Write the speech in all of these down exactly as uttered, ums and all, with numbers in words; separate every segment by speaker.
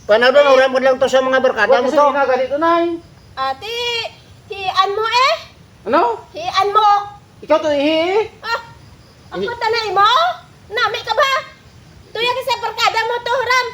Speaker 1: Panadon, uram ko lang to sa mga barkada mo to.
Speaker 2: Wala kasi ganito, Nay.
Speaker 3: Ate, hian mo eh.
Speaker 2: Ano?
Speaker 3: Hian mo.
Speaker 2: Ikaw to ihi.
Speaker 3: Ah, ako tanay mo? Nami ka ba? Tuya ka sa barkada mo to, Huram.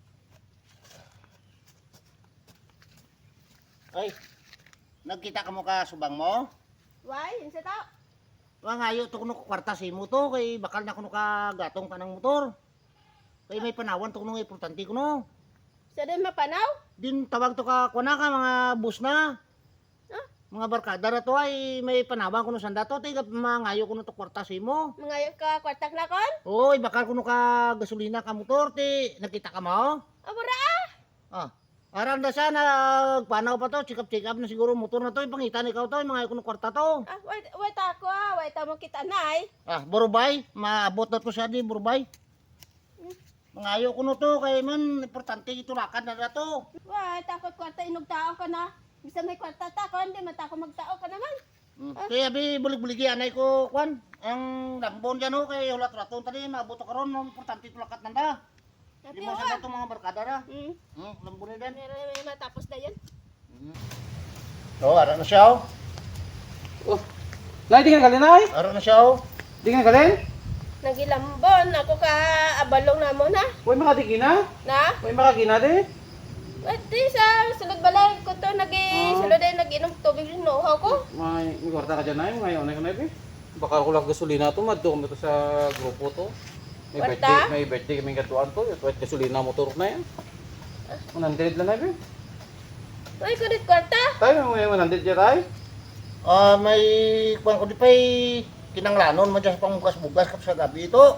Speaker 1: Ay, nagkita ka mo ka subang mo?
Speaker 3: Why? Yun sa tao.
Speaker 1: Wa ngayo to kuno kwarta si mo to kay bakal na kuno ka gatong ka ng motor. Kay may panawan to kuno importante kuno.
Speaker 3: Sa din mapanaw?
Speaker 1: Din tawag to ka kuana ka mga bus na.
Speaker 3: Ah?
Speaker 1: Mga barkada na to ay may panawan kuno sanda to tay mangayo kuno to kwarta si mo.
Speaker 3: Mga ka kwartak na kon?
Speaker 1: Oy, bakal kuno ka gasolina ka motor ti nakita ka mo?
Speaker 3: Abura ah.
Speaker 1: Ah. Aran da siya nagpanaw pa to, check-up-check up na siguro motor na to, ipangitan ikaw to, mga kuno kwarta to.
Speaker 3: Ah, wait, wait ako ah. Wait mo kita nay.
Speaker 1: Ah, Borobay, maabot na to siya di Borobay. Mga ayaw ko no to, kaya man, importante itulakan na na to.
Speaker 3: Wait, takot kwarta inog tao ka na. Bisa may kwarta ta kon, di matako magtao ka naman.
Speaker 1: Hmm. Kaya bi bulig-buligi anay ko, kwan, ang lambon dyan ho, kaya ulat raton tadi, maabot ka ron, importante itulakat na da. Di
Speaker 3: Ate
Speaker 1: mo
Speaker 3: wa.
Speaker 1: sa to mga barkada na.
Speaker 3: Hmm.
Speaker 1: Hmm, lambon na din.
Speaker 3: Meron may matapos na yan.
Speaker 1: Hmm. Oh, ara na siya oh.
Speaker 2: Oh. Nay, di ka galin, Nay.
Speaker 1: Ara na siya oh.
Speaker 2: Di ka galin.
Speaker 3: Nagilambon ako ka abalong na mo na.
Speaker 2: Huwag makadikina.
Speaker 3: Na?
Speaker 2: Huwag makakina, di.
Speaker 3: Wait, di sa sulod balay ko to nagi
Speaker 2: Oh.
Speaker 3: sulod ay naginom tubig ng nohaw ko.
Speaker 2: May, may kwarta ka dyan, Nay. Ngayon, Nay, Nay, Nay. Baka ko lang gasolina to, madto kami to sa grupo to. May
Speaker 3: Kwarta?
Speaker 2: birthday, may birthday kaming katuan to. Yung gasolina motor na yan. one hundred lang, Nay.
Speaker 3: Wait, kunit kwarta.
Speaker 2: Tayo, may one hundred dyan, Tay.
Speaker 1: Ah, may kwan ko di pa'y kinanglanon, madya sa pangbukas-bugas kap sa gabi ito.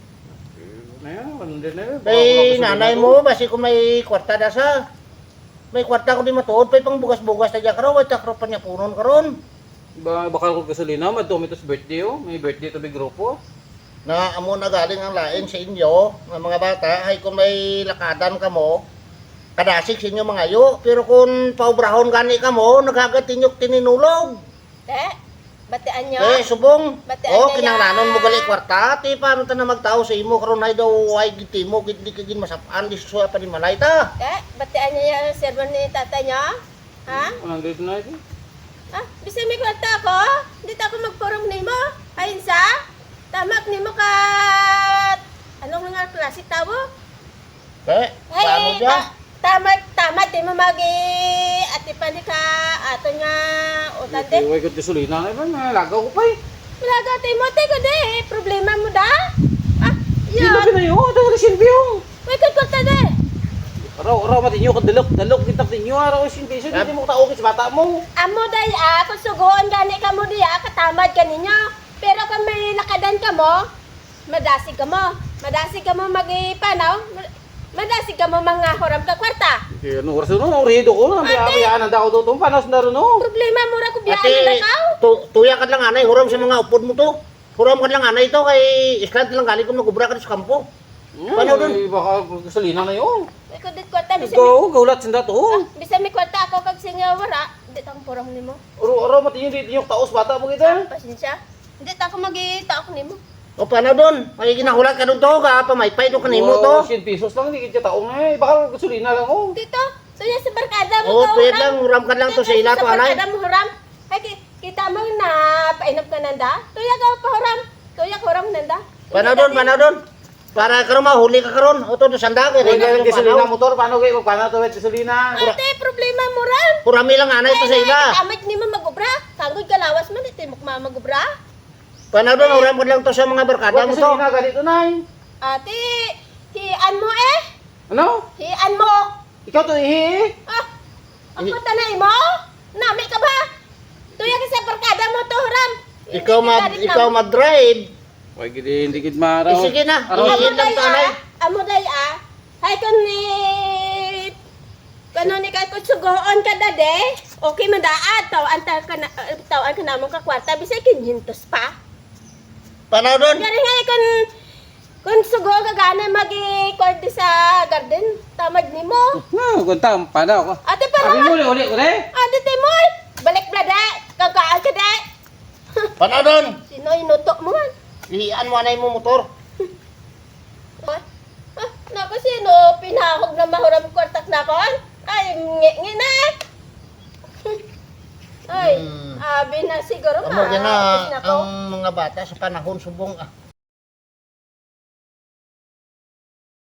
Speaker 2: Na yan, one hundred na yun. Baka ko lang
Speaker 1: Kay
Speaker 2: gasolina
Speaker 1: nanay
Speaker 2: to.
Speaker 1: mo, basi kung may kwarta na sa. May kwarta ko di matuod, pa'y pang bugas-bugas na dyan karon, wait takro pa niya punon karon.
Speaker 2: Ba, baka ko gasolina, madto kami to sa birthday, oh. May birthday to may grupo.
Speaker 1: Na amo na galing ang lain sa inyo, ng mga bata, ay kung may lakadan ka mo, kadasik sa inyo mga yo. Pero kung paubrahon gani ka mo, naghagatinyok tininulog.
Speaker 3: Te, batian nyo.
Speaker 1: Eh, subong.
Speaker 3: Batian
Speaker 1: Oh,
Speaker 3: niya
Speaker 1: kinanglanon mo
Speaker 3: yan.
Speaker 1: gali kwarta. Ti, paano ta na magtao sa imo, karon ay daw, ay giti mo, giti ka gin masapaan, di susuya pa ni malay ta.
Speaker 3: Te, batian niya yung sermon ni tatay nyo. Ha?
Speaker 2: one hundred na yun.
Speaker 3: Ah, bisa may kwarta ako. Dito ako magpurong nimo. Ayun sa. Tamak nimo ka. Anong nga klase tao?
Speaker 1: Eh, paano
Speaker 3: Hey,
Speaker 1: dyan?
Speaker 3: ta tamat, tamat, di mo magi, ati pa ni ka, ato nga, utante.
Speaker 2: Huwag ko gasolina na yun, may lagaw ko pa eh.
Speaker 3: Wala ka, Timote, ko di, problema mo da? Ah,
Speaker 2: Sino
Speaker 3: yun.
Speaker 2: pinayo? Ito ka silbiyo.
Speaker 3: May kwarta di.
Speaker 2: Araw, araw matinyo, kadalok, dalok, kitak ninyo, araw silbiyo, hindi mo kataukit sa bata mo.
Speaker 3: Amo day, ah, kung sugoon gani ka mo di, ah, katamad ka ninyo. Pero kung may lakadan ka mo, madasig ka mo. Madasig ka mo magipanaw, madasig ka mo mga huram ka kwarta.
Speaker 2: Kaya ano, oras no, orido ko na, may
Speaker 3: Ate!
Speaker 2: abayaan ang dako doon, panas na rin no.
Speaker 3: Problema mo ra ko biyaan
Speaker 1: Ate,
Speaker 3: na ka.
Speaker 1: tu tuya ka lang anay, huram sa mga upod mo to. Huram ka lang anay to, kay island lang galing kung nagubra ka sa kampo. Paano
Speaker 2: Ano
Speaker 1: dun?
Speaker 2: Baka gasolina na yun.
Speaker 3: May kudit kwarta, bisa mi,
Speaker 2: Ikaw, gaulat sinda to.
Speaker 3: ah, bisa mi kwarta ako kag singa wara. Hindi tang purong nimo.
Speaker 2: Araw, araw matinyo, dito yung taos bata mo kita.
Speaker 3: Pasensya. Hindi ta ako magita ako nimo.
Speaker 1: O paano doon? May ginahulat ka doon to, ka pamaypay doon kanimo to.
Speaker 2: ten pesos lang, hindi kita taong eh. Baka gasolina lang oh.
Speaker 3: Dito, tuya sa barkada
Speaker 1: Oo,
Speaker 3: mo ka,
Speaker 1: pwede
Speaker 3: huram.
Speaker 1: lang, huram ka lang to sa ila to,
Speaker 3: Sa
Speaker 1: anay.
Speaker 3: barkada mo huram. Ay, ki- kita mo na painap ka nanda. Tuya ka pa huram. Tuya ka huram nanda.
Speaker 1: Paano doon, paano doon? Para karon mahuli ka karon. O to, sanda ka.
Speaker 2: Kung yung gasolina motor, paano kayo? Paano to with gasolina?
Speaker 3: Ate, problema mo ran.
Speaker 1: Hurami lang anay to sa ila.
Speaker 3: Kamit ni mo magubra. Kanggoy kalawas man ito mo magubra.
Speaker 1: Paano doon, huram ka lang to sa mga barkada
Speaker 2: Huwag
Speaker 1: mo to.
Speaker 2: gasolina ganito, Nay.
Speaker 3: Ate, hian mo eh.
Speaker 2: Ano?
Speaker 3: Hian mo.
Speaker 2: Ikaw to ihi?
Speaker 3: Ah, ako tanay mo? Nami ka ba? Tuya ka sa barkada mo to, Ram.
Speaker 1: Ikaw
Speaker 3: Hindi
Speaker 1: mag
Speaker 3: kita rin
Speaker 1: ikaw
Speaker 3: na-
Speaker 1: mag-drive.
Speaker 2: Huwag hindi, hindi kid maraw.
Speaker 1: Eh, sige na.
Speaker 2: Araw,
Speaker 1: Ihi
Speaker 3: Amo
Speaker 1: lang
Speaker 3: day
Speaker 1: to anay.
Speaker 3: ah. Amo day ah. Hay kun ni Kano ni kay kutsugoon ka dade? Okay man daad taw anta ka na taw ka namon ka kwarta bisay kinhintos pa.
Speaker 1: Paano doon?
Speaker 3: Gari nga kun kun sugo ka gana magi kwarti sa garden tamad nimo.
Speaker 2: No, kunta, paano ako?
Speaker 3: Ate para
Speaker 2: Abi mo uli, uli, uli.
Speaker 3: Ate Timoy, balik blada. Kakaan ka da.
Speaker 1: Paano doon?
Speaker 3: Sino inuto mo man?
Speaker 1: Ihian mo anay mo motor.
Speaker 3: Ah, ah, na ako sino, pinahog na mahuram kwartak na kon. Ay, ngi na eh. Ay,
Speaker 1: Hmm.
Speaker 3: abi na siguro
Speaker 1: Amo
Speaker 3: ma.
Speaker 1: gina
Speaker 3: tapos na ko.
Speaker 1: ang mga bata sa panahon subong ah.